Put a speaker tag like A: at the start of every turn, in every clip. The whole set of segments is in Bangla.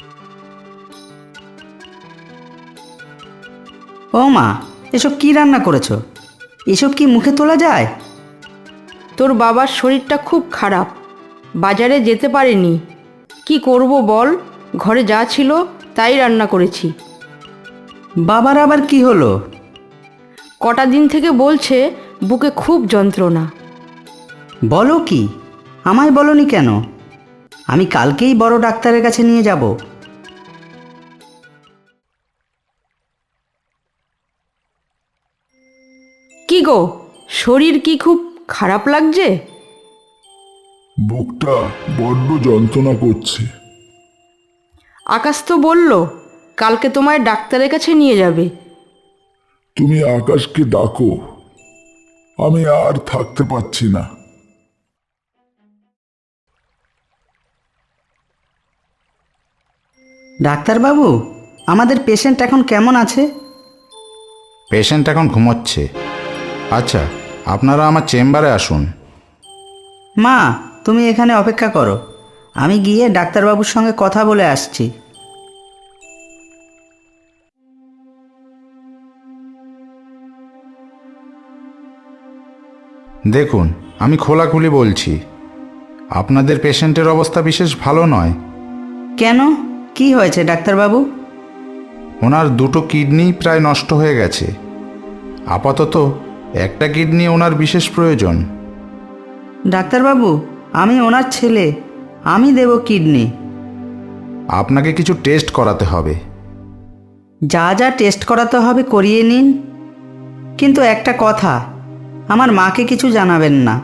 A: ও মা, এসব কি রান্না করেছো? এসব কি মুখে তোলা যায়?
B: তোর বাবার শরীরটা খুব খারাপ, বাজারে যেতে পারেনি। কি করব বল, ঘরে যা ছিল তাই রান্না করেছি।
A: বাবার আবার কি হলো?
B: কটা দিন থেকে বলছে বুকে খুব যন্ত্রণা।
A: বলো কি? আমায় বলনি কেন? আমি কালকেই বড় ডাক্তারের কাছে নিয়ে যাব।
B: কি গো, শরীর কি খুব খারাপ লাগছে?
C: বুকটা বড্ড যন্ত্রণা করছে।
B: আকাশ তো বলল কালকে তোমায় ডাক্তারের কাছে নিয়ে যাবে।
C: তুমি আকাশকে ডাকো, আমি আর থাকতে পারছি না।
A: ডাক্তারবাবু, আমাদের পেশেন্ট এখন কেমন আছে?
D: পেশেন্ট এখন ঘুমোচ্ছে। আচ্ছা, আপনারা আমার চেম্বারে আসুন।
A: মা, তুমি এখানে অপেক্ষা করো, আমি গিয়ে ডাক্তারবাবুর সঙ্গে কথা বলে আসছি।
D: দেখুন, আমি খোলাখুলি বলছি, আপনাদের পেশেন্টের অবস্থা বিশেষ ভালো নয়।
A: কেন, কি হয়েছে ডাক্তারবাবু?
D: ওনার দুটো কিডনি প্রায় নষ্ট হয়ে গেছে। আপাতত একটা কিডনি ওনার বিশেষ প্রয়োজন।
A: ডাক্তারবাবু, আমি ওনার ছেলে, আমি দেব কিডনি।
D: আপনাকে কিছু টেস্ট করাতে হবে।
A: যা যা টেস্ট করাতে হবে করিয়ে নিন, কিন্তু একটা কথা, আমার মাকে কিছু জানাবেন না।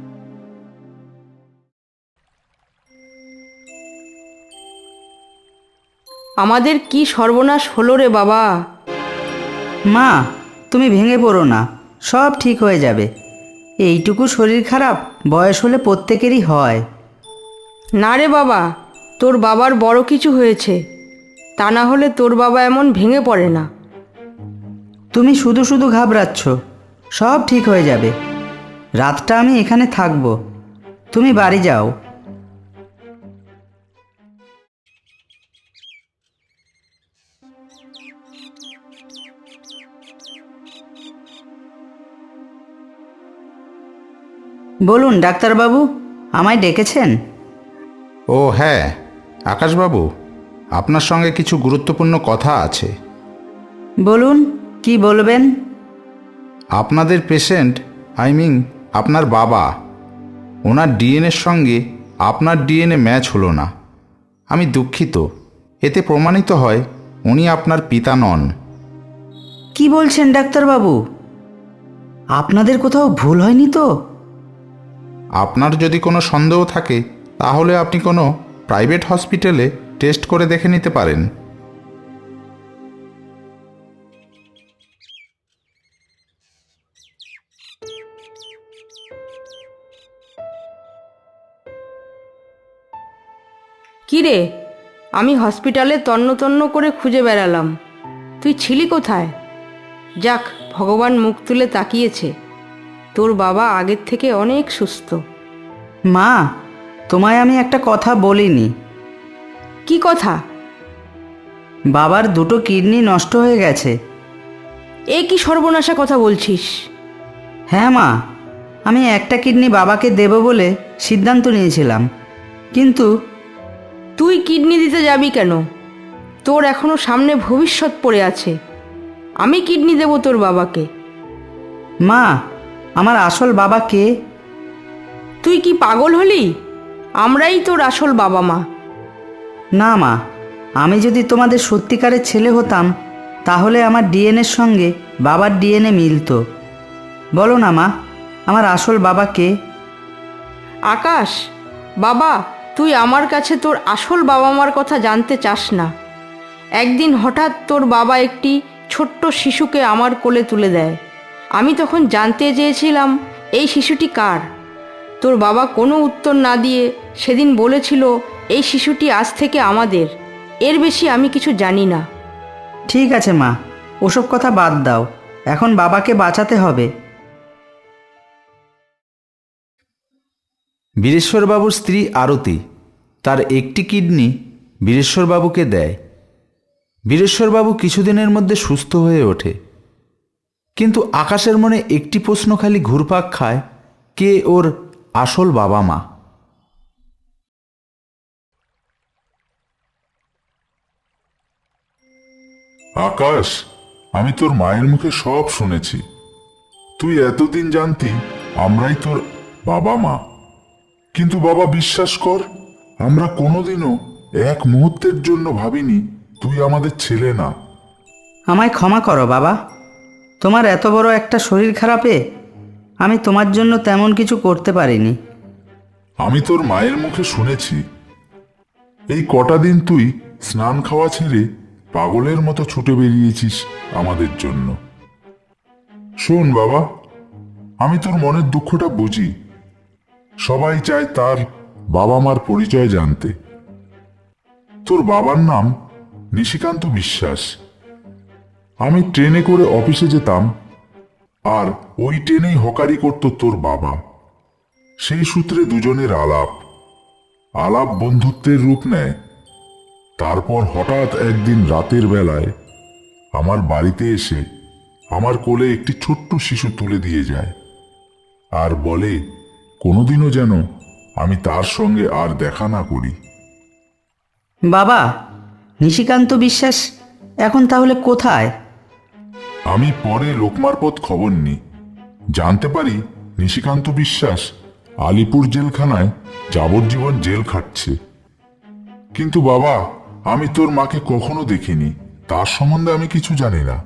B: আমাদের কি সর্বনাশ হলো রে বাবা।
A: মা, তুমি ভেঙে পড়ো না, সব ঠিক হয়ে যাবে। এইটুকু শরীর খারাপ বয়স হলে প্রত্যেকেরই হয়।
B: না রে বাবা, তোর বাবার বড় কিছু হয়েছে, তা না হলে তোর বাবা এমন ভেঙে পড়ে না।
A: তুমি শুধু শুধু ঘাবড়াচ্ছ, সব ঠিক হয়ে যাবে। রাতটা আমি এখানে থাকবো, তুমি বাড়ি যাও। বলুন ডাক্তারবাবু, আমায় ডেকেছেন?
D: ও হ্যাঁ, আকাশবাবু, আপনার সঙ্গে কিছু গুরুত্বপূর্ণ কথা আছে।
A: বলুন, কি বলবেন?
D: আপনাদের পেশেন্ট, আপনার বাবা, ওনার ডিএনএর সঙ্গে আপনার ডিএনএ ম্যাচ হলো না। আমি দুঃখিত, এতে প্রমাণিত হয় উনি আপনার পিতা নন।
A: কি বলছেন ডাক্তারবাবু? আপনাদের কোথাও ভুল হয়নি তো?
D: আপনার যদি কোনো সন্দেহ থাকে তাহলে আপনি কোনো প্রাইভেট হসপিটালে টেস্ট করে দেখে নিতে পারেন।
B: কি রে, আমি হসপিটালে তন্ন তন্ন করে খুঁজে বেড়ালাম, তুই ছিলি কোথায়? যাক, ভগবান মুখ তুলে তাকিয়েছে, তোর বাবা আগের থেকে অনেক সুস্থ।
A: মা, তোমায় আমি একটা কথা বলিনি।
B: কি কথা?
A: বাবার দুটো কিডনি নষ্ট হয়ে গেছে।
B: এ কি সর্বনাশা কথা বলছিস?
A: হ্যাঁ মা, আমি একটা কিডনি বাবাকে দেব বলে সিদ্ধান্ত নিয়েছিলাম, কিন্তু
B: তুই কিডনি দিতে যাবি কেন? তোর এখনো সামনে ভবিষ্যৎ পড়ে আছে। আমি কিডনি দেব তোর বাবাকে।
A: মা, আমার আসল বাবা কে?
B: তুই কি পাগল হলি? আমরাই তোর আসল বাবা মা।
A: না মা, আমি যদি তোমাদের সত্যিকারের ছেলে হতাম তাহলে আমার ডিএনএর সঙ্গে বাবার ডিএনএ মিলতো। বলো না মা, আমার আসল বাবা কে?
B: আকাশ, বাবা, তুই আমার কাছে তোর আসল বাবা মার কথা জানতে চাস না। একদিন হঠাৎ তোর বাবা একটি ছোট্ট শিশুকে আমার কোলে তুলে দেয়। আমি তখন জানতে চেয়েছিলাম এই শিশুটি কার। তোর বাবা কোনো উত্তর না দিয়ে সেদিন বলেছিল এই শিশুটি আজ থেকে আমাদের। এর বেশি আমি কিছু জানি না।
A: ঠিক আছে মা, ওসব কথা বাদ দাও, এখন বাবাকে বাঁচাতে হবে।
D: বীরেশ্বরবাবুর স্ত্রী আরতি, তার একটি কিডনি বীরেশ্বরবাবুকে দেয়। বীরেশ্বরবাবু কিছুদিনের মধ্যে সুস্থ হয়ে ওঠে, কিন্তু আকাশের মনে একটি প্রশ্ন খালি ঘুরপাক খায়, কে ওর আসল বাবা মা।
C: আকাশ, আমি তোর মায়ের মুখে সব শুনেছি। তুই এতদিন জানতি আমরাই তোর বাবা মা, কিন্তু বাবা বিশ্বাস কর, আমরা কোনোদিনও এক মুহূর্তের জন্য ভাবিনি তুই আমাদের ছেলে না।
A: আমায় ক্ষমা করো বাবা, তোমার এত বড় একটা শরীর খারাপে আমি তোমার জন্য তেমন কিছু করতে পারিনি।
C: আমি তোর মায়ের মুখে শুনেছি এই কটা দিন তুই স্নান খাওয়া ছেড়ে পাগলের মতো ছুটে বেরিয়েছিস আমাদের জন্য। শোন বাবা, আমি তোর মনের দুঃখটা বুঝি। সবাই চায় তার বাবা মার পরিচয় জানতে। তোর বাবার নাম নিশিকান্ত বিশ্বাস। আমি ট্রেনে করে অফিসে যেতাম, আর ওই ট্রেনেই হকারি করত তোর বাবা। সেই সূত্রে দুজনের আলাপ আলাপ বন্ধুত্বের রূপ নেয়। তারপর হঠাৎ একদিন রাতের বেলায় আমার বাড়িতে এসে আমার কোলে একটি ছোট্ট শিশু তুলে দিয়ে যায়, আর বলে কোনোদিনও যেন আমি তার সঙ্গে আর দেখা না করি।
A: বাবা, নিশিকান্ত বিশ্বাস এখন তাহলে কোথায়?
C: আমি পরে লোকমারপত খবর নিই, জানতে পারি নিশিকান্ত বিশ্বাস আলিপুর জেলখানায় যাবজ্জীবন জেল খাটছে। কিন্তু বাবা, আমি তোর মাকে কখনো দেখিনি, তার সম্বন্ধে আমি কিছু জানি না।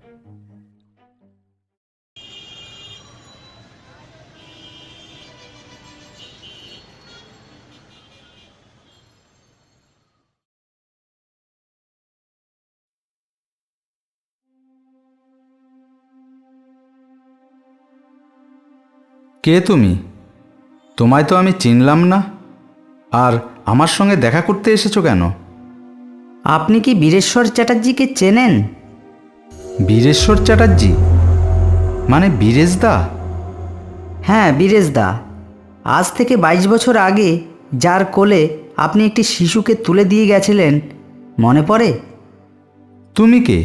D: কে তুমি? তোমায় তো আমি চিনলাম না, আর আমার সঙ্গে দেখা করতে এসেছো কেন?
A: আপনি কি বীরেশ্বর চ্যাটার্জিকে চেনেন?
D: বীরেশ্বর চ্যাটার্জি মানে বীরেশদা?
A: হ্যাঁ, বীরেশদা। আজ থেকে 22 বছর আগে যার কোলে আপনি একটি শিশুকে তুলে দিয়ে গেছিলেন, মনে পড়ে?
D: তুমি কে?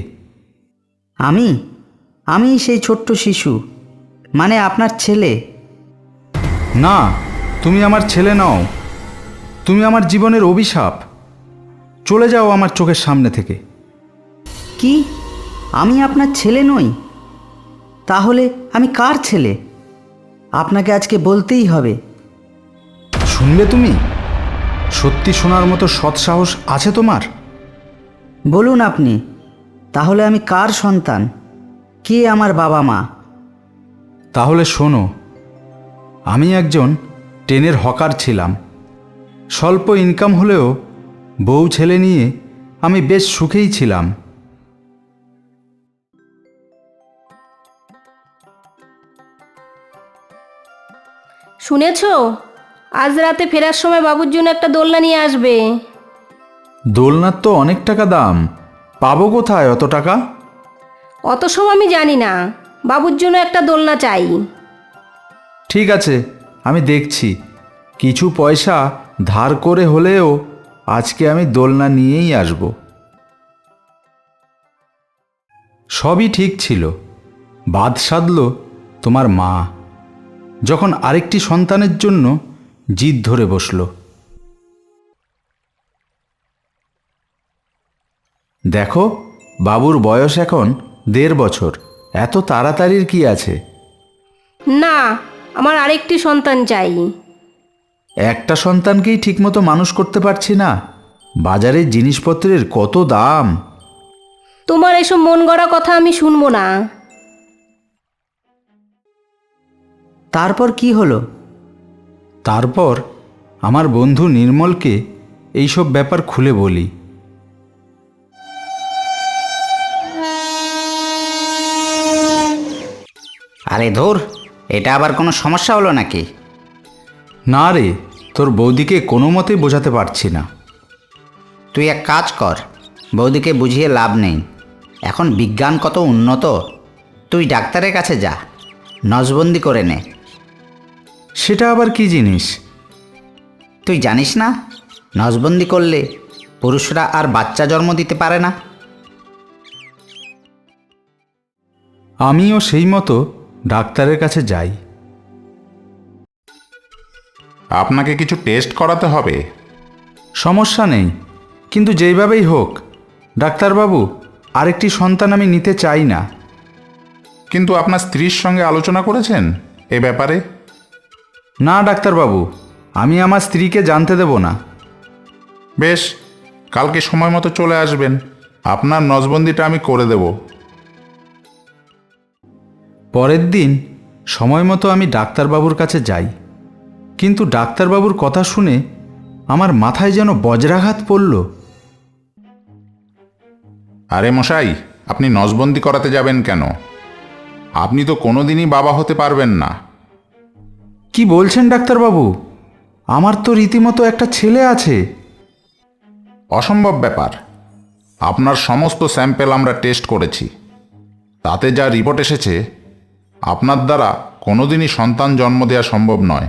A: আমি সেই ছোট্ট শিশু, মানে আপনার ছেলে।
D: না, তুমি আমার ছেলে নও। তুমি আমার জীবনের অভিশাপ। চলে যাও আমার চোখের সামনে থেকে।
A: কি? আমি আপনার ছেলে নই? তাহলে আমি কার ছেলে? আপনাকে আজকে বলতেই হবে।
D: শুনবে তুমি? সত্যি শোনার মতো সৎসাহস আছে তোমার?
A: বলুন আপনি, তাহলে আমি কার সন্তান? কে আমার বাবা মা?
D: তাহলে শোনো, আমি একজন ট্রেনের হকার ছিলাম। স্বল্প ইনকাম হলেও বউ ছেলে নিয়ে আমি বেশ সুখেই ছিলাম।
E: শুনেছ, আজ রাতে ফেরার সময় বাবুর জন্য একটা দোলনা নিয়ে আসবে।
D: দোলনার তো অনেক টাকা দাম, পাবো কোথায় অত টাকা?
E: অত সব আমি জানি না, বাবুর জন্য একটা দোলনা চাই।
D: ঠিক আছে, আমি দেখছি। কিছু পয়সা ধার করে হলেও আজকে আমি দোলনা নিয়েই আসব। সবই ঠিক ছিল, বাদ সাধল তোমার মা, যখন আরেকটি সন্তানের জন্য জিদ ধরে বসল। দেখো, বাবুর বয়স এখন 1.5 বছর। এত তাড়াতাড়ির কি আছে?
E: না, আমার আরেকটি সন্তান চাই।
D: একটা সন্তানকেই ঠিকমতো মানুষ করতে পারছি না। বাজারে জিনিসপত্রের কত দাম!
E: তোমার এসব মন গড়া কথা আমি শুনবো না।
A: তারপর কি হলো?
D: তারপর আমার বন্ধু নির্মলকে এইসব ব্যাপার খুলে বলি।
F: আরে ধুর, এটা আবার কোনো সমস্যা হলো নাকি?
D: না রে, তোর বৌদিকে কোনো মতেই বোঝাতে পারছি না।
F: তুই এক কাজ কর, বৌদিকে বুঝিয়ে লাভ নেই। এখন বিজ্ঞান কত উন্নত। তুই ডাক্তারের কাছে যা, নজবন্দি করে নে।
D: সেটা আবার কি জিনিস?
F: তুই জানিস না, নজবন্দি করলে পুরুষরা আর বাচ্চা জন্ম দিতে পারে না?
D: আমিও সেই মতো ডাক্তারের কাছে যাই।
C: আপনাকে কিছু টেস্ট করাতে হবে।
D: সমস্যা নেই, কিন্তু যেইভাবেই হোক ডাক্তারবাবু, আরেকটি সন্তান আমি নিতে চাই না।
C: কিন্তু আপনার স্ত্রীর সঙ্গে আলোচনা করেছেন এ ব্যাপারে?
D: না ডাক্তারবাবু, আমি আমার স্ত্রীকে জানতে দেব না।
C: বেশ, কালকে সময় মতো চলে আসবেন, আপনার নজবন্দিটা আমি করে দেব।
D: পরের দিন সময় মতো আমি ডাক্তারবাবুর কাছে যাই, কিন্তু ডাক্তারবাবুর কথা শুনে আমার মাথায় যেন বজ্রাঘাত পড়ল।
C: আরে মশাই, আপনি নজবন্দি করাতে যাবেন কেন? আপনি তো কোনোদিনই বাবা হতে পারবেন না।
D: কি বলছেন ডাক্তারবাবু? আমার তো রীতিমতো একটা ছেলে আছে।
C: অসম্ভব ব্যাপার। আপনার সমস্ত স্যাম্পেল আমরা টেস্ট করেছি, তাতে যা রিপোর্ট এসেছে আপনার দ্বারা কোনোদিনই সন্তান জন্ম দেওয়া সম্ভব নয়।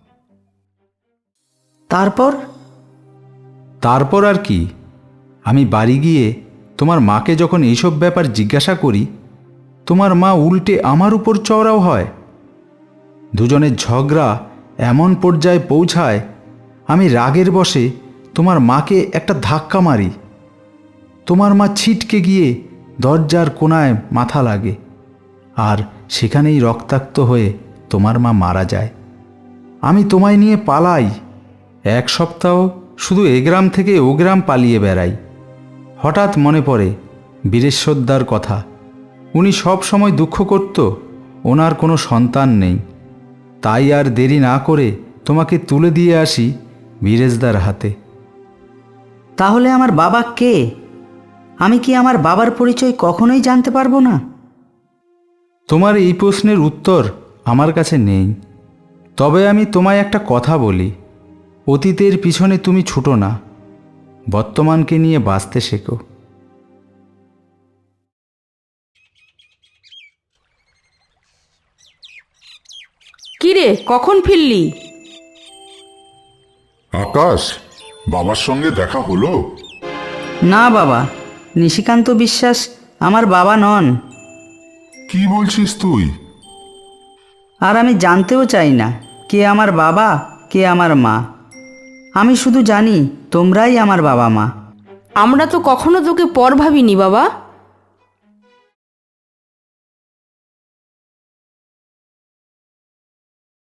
A: তারপর
D: আর কি, আমি বাড়ি গিয়ে তোমার মাকে যখন এইসব ব্যাপার জিজ্ঞাসা করি, তোমার মা উল্টে আমার উপর চওড়াও হয়। দুজনের ঝগড়া এমন পর্যায়ে পৌঁছায়, আমি রাগের বশে তোমার মাকে একটা ধাক্কা মারি। তোমার মা ছিটকে গিয়ে দরজার কোণায় মাথা লাগে, আর সেখানেই রক্তাক্ত হয়ে তোমার মা মারা যায়। আমি তোমায় নিয়ে পালাই। 1 সপ্তাহ শুধু এ গ্রাম থেকে ও গ্রাম পালিয়ে বেড়াই। হঠাৎ মনে পড়ে বীরেশ্বরদার কথা। উনি সব সময় দুঃখ করত ওনার কোনো সন্তান নেই। তাই আর দেরি না করে তোমাকে তুলে দিয়ে আসি বীরেশদার হাতে।
A: তাহলে আমার বাবা কে? আমি কি আমার বাবার পরিচয় কখনোই জানতে পারবো না?
D: তোমার এই প্রশ্নের উত্তর আমার কাছে নেই। তবে আমি তোমায় একটা কথা বলি, অতীতের পিছনে তুমি ছুটো না, বর্তমানকে নিয়ে বাঁচতে শেখো।
B: কিরে, কখন ফিরলি?
C: আকাশ, বাবার সঙ্গে দেখা হলো?
A: না বাবা, নিশিকান্ত বিশ্বাস আমার বাবা নন।
C: কি বলছিস তুই?
A: আর আমি জানতেও চাই না কে আমার বাবা কে আমার মা। আমি শুধু জানি তোমরাই আমার বাবা মা।
B: আমরা তো কখনো তোকে পর ভাবিনি বাবা।